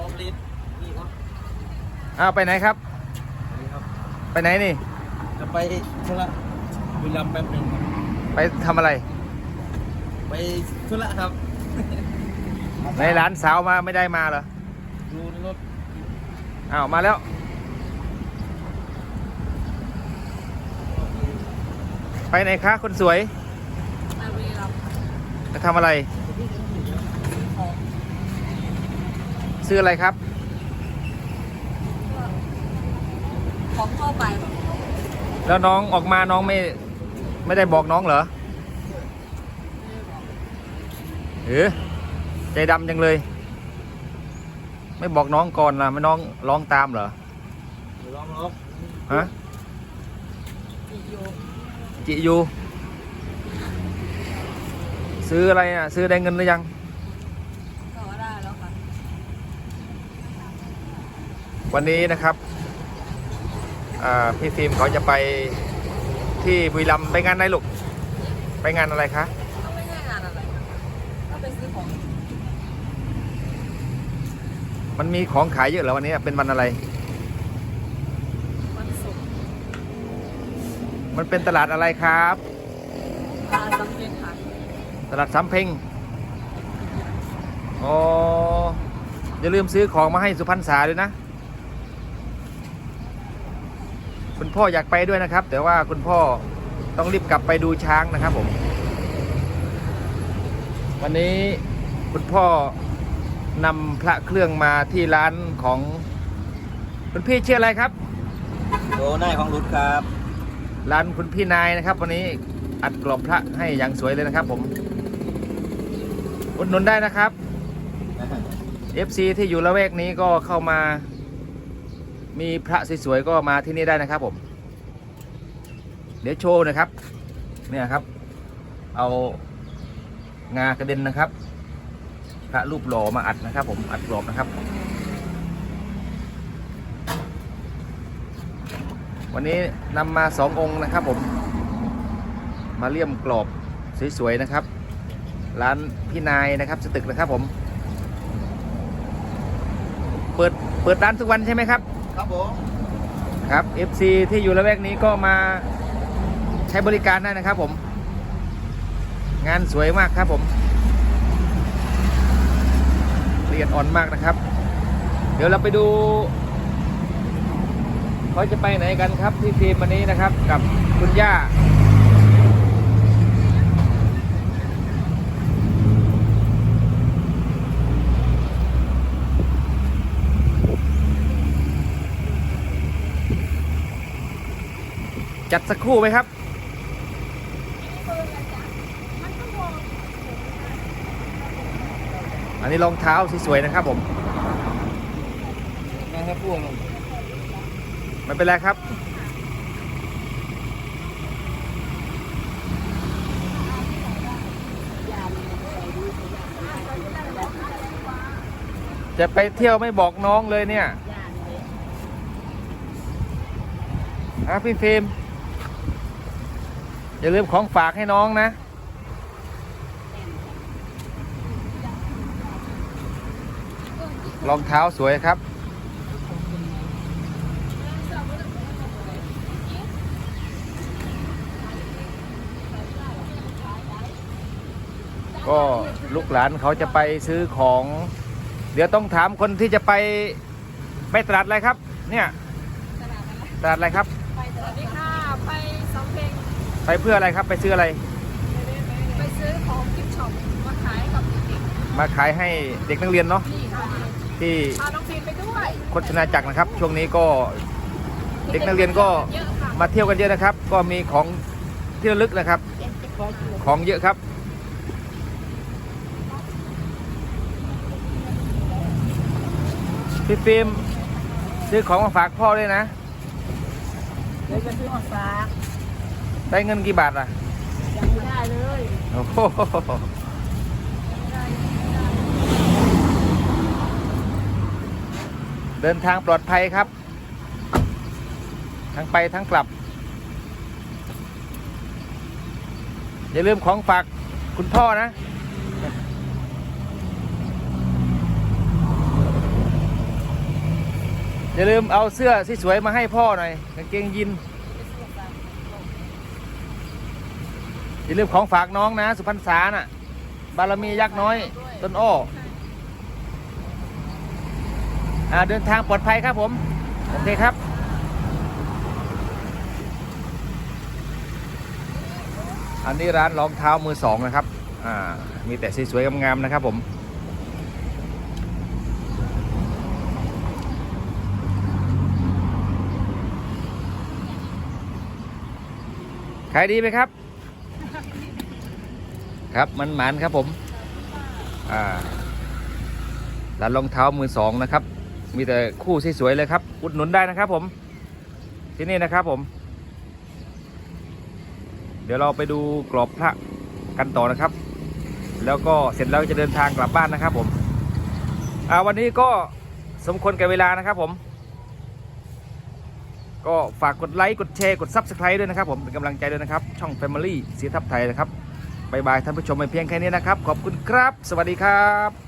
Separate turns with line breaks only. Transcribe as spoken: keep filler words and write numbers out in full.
อมลิตนี่ครับ
อ้าวไปไหนครับ
นี่ครับ
ไปไหนนี่
จะไปธุระบุรีรัมย์แป๊บหนึ่งครับ
ไปทำอะไร
ไปธุระครับ
ในร้านสาวมาไม่ได้มาเหรอ
ดูในรถ
อ้าวมาแล้วไปไหนคะคนสวย
ไปบุรีรัมย์
จะทำอะไรซื้ออะไรครับ
ของเข้าไปแบบ
แล้วน้องออกมาน้องไม่ไม่ได้บอกน้องเหรอเออใจดำจังเลยไม่บอกน้องก่อนล่ะไม่น้องร้องตามเหรอ
ร้องร้อง
ฮะ
จิโย
จิยูซื้ออะไรอ่ะซื้อได้เงินหรือยัง
ก็ได้แล้วค่ะ
วันนี้นะครับพี่ฟิล์มเขาจะไปที่บุรีรัมย์ไปงานอะไรลูกไปงานอะไรคะ
ก็ไม่ใช่งานอะไรก็ไปซื้อของ
มันมีของขายเยอะเหรอวันนี้เป็นวันอะไร
วันศุกร์
มันเป็นตลาดอะไรครับ
ตลาดสำเพ็งค่ะ
ตลาดสำเพ็งอ๋ออย่าลืมซื้อของมาให้สุพรรณษาด้วยนะคุณพ่ออยากไปด้วยนะครับแต่ว่าคุณพ่อต้องรีบกลับไปดูช้างนะครับผมวันนี้คุณพ่อนำพระเครื่องมาที่ร้านของคุณพี่ชื่ออะไรครับ
โอ้นายของรุดครับ
ร้านคุณพี่นายนะครับวันนี้อัดกรอบพระให้อย่างสวยเลยนะครับผมอุดหนุนได้นะครับ เอฟ ซี ที่อยู่ละแวกนี้ก็เข้ามามีพระสวยๆก็มาที่นี่ได้นะครับผมเดี๋ยวโชว์นะครับเนี่ยครับเอางากระเด็นนะครับพระรูปหล่อมาอัดนะครับผมอัดกรอบนะครับวันนี้นำมาสององค์นะครับผมมาเลี่ยมกรอบสวยๆนะครับร้านพี่นายนะครับสตึกนะครับผมเปิดเปิดร้านทุกวันใช่ไหมครับ
ครับผม
ครับ เอฟ ซี ที่อยู่ละแวกนี้ก็มาใช้บริการได้นะครับผมงานสวยมากครับผมละเอียดอ่อนมากนะครับเดี๋ยวเราไปดูเขาจะไปไหนกันครับที่ทีมวันนี้นะครับกับคุณย่าจัดสักครู่ไหมครับอันนี้รองเท้าสวยๆนะครับผม
นะครับพวก
ไม่เป็นไรครับจะไปเที่ยวไม่บอกน้องเลยเนี่ยอ่ะพี่ฟิล์มอย่าลืมของฝากให้น้องนะรองเท้าสวยครับก็ลูกหลานเขาจะไปซื้อของเดี๋ยวต้องถามคนที่จะไปไปตลาดอะไรครับเนี่ยตลาดอะไรครับ
ไปสวัสดีค่ะไปสำเพ็ง
ไปเพื่ออะไรครับไปซื้ออะไร
ไปซื้อของกิฟต์ช็อปมาขายกับเด็ก
มาขายให้เด็กนักเรียนเนาะที่
พาน้องฟิล์มไปด้วย
โฆษณาจักรนะครับช่วงนี้ก็เด็กนักเรียนก็มาเที่ยวกันเยอะนะครับก็มีของที่ระลึกนะครับของเยอะครับพี่ฟิล์มซื้อของมาฝากพ่อด้วยนะ
เดี๋ยวจะซื้อมาฝาก
ได้เงินกี่บาทล่ะ
ยังไม่ได้เลย
โอ้โหเดินทางปลอดภัยครับทั้งไปทั้งกลับอย่าลืมของฝากคุณพ่อนะอย่าลืมเอาเสื้อสวยๆมาให้พ่อหน่อยกางเกงยีนอย่าลืมของฝากน้องนะสุพรรณษาน่ะบารมียักษ์น้อยต้นอ้ออ่าเดินทางปลอดภัยครับผมโอเคครับอันนี้ร้านรองเท้ามือสองนะครับอ่ามีแต่สวยๆงามๆนะครับผมขายดีไหมครับครับมันหมันครับผมอ่าร้านรองเท้ามือสองนะครับมีแต่คู่สวยๆเลยครับอุดหนุนได้นะครับผมที่นี่นะครับผมเดี๋ยวเราไปดูกรอบพระกันต่อนะครับแล้วก็เสร็จแล้วจะเดินทางกลับบ้านนะครับผมอ่าวันนี้ก็สมควรแก่เวลานะครับผมก็ฝากกดไลค์กดแชร์กด ซับสไครบ์ ด้วยนะครับผมเป็นกำลังใจด้วยนะครับช่อง Family สีทับไทยนะครับบ๊ายบายท่านผู้ชมไปเพียงแค่นี้นะครับขอบคุณครับสวัสดีครับ